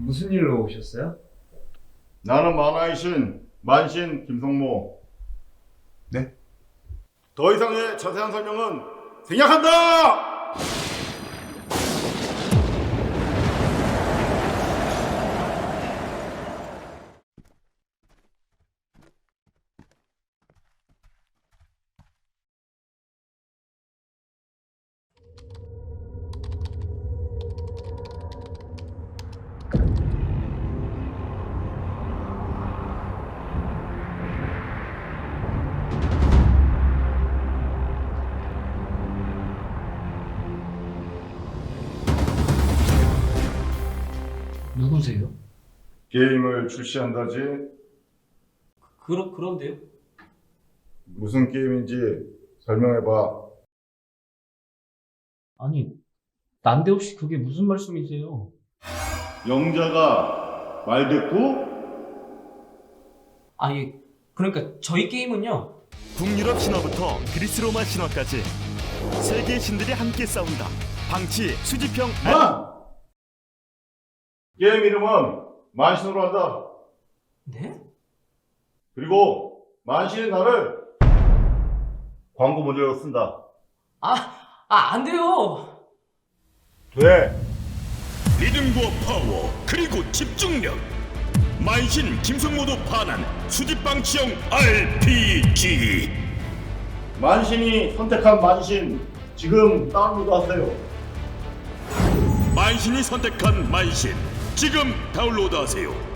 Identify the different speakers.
Speaker 1: 무슨 일로 오셨어요?
Speaker 2: 나는 만화의 신 만신 김성모.
Speaker 1: 네?
Speaker 2: 더 이상의 자세한 설명은 생략한다!
Speaker 1: 누구세요?
Speaker 2: 게임을 출시한다지?
Speaker 1: 그런데요?
Speaker 2: 무슨 게임인지 설명해봐.
Speaker 1: 아니, 난데없이 그게 무슨 말씀이세요?
Speaker 2: 영자가 말대꾸?
Speaker 1: 아니, 그러니까 저희 게임은요.
Speaker 3: 북유럽 신화부터 그리스 로마 신화까지 세계의 신들이 함께 싸운다. 방치 수지평
Speaker 2: 게임 이름은 만신으로 한다.
Speaker 1: 네?
Speaker 2: 그리고 만신의 나를 광고 모델로 쓴다.
Speaker 1: 안 돼요!
Speaker 2: 돼.
Speaker 3: 리듬과 파워 그리고 집중력 만신 김성모도 반한 수집방치형 RPG.
Speaker 2: 만신이 선택한 만신 지금 다운로드 하세요.
Speaker 3: 만신이 선택한 만신 지금 다운로드하세요.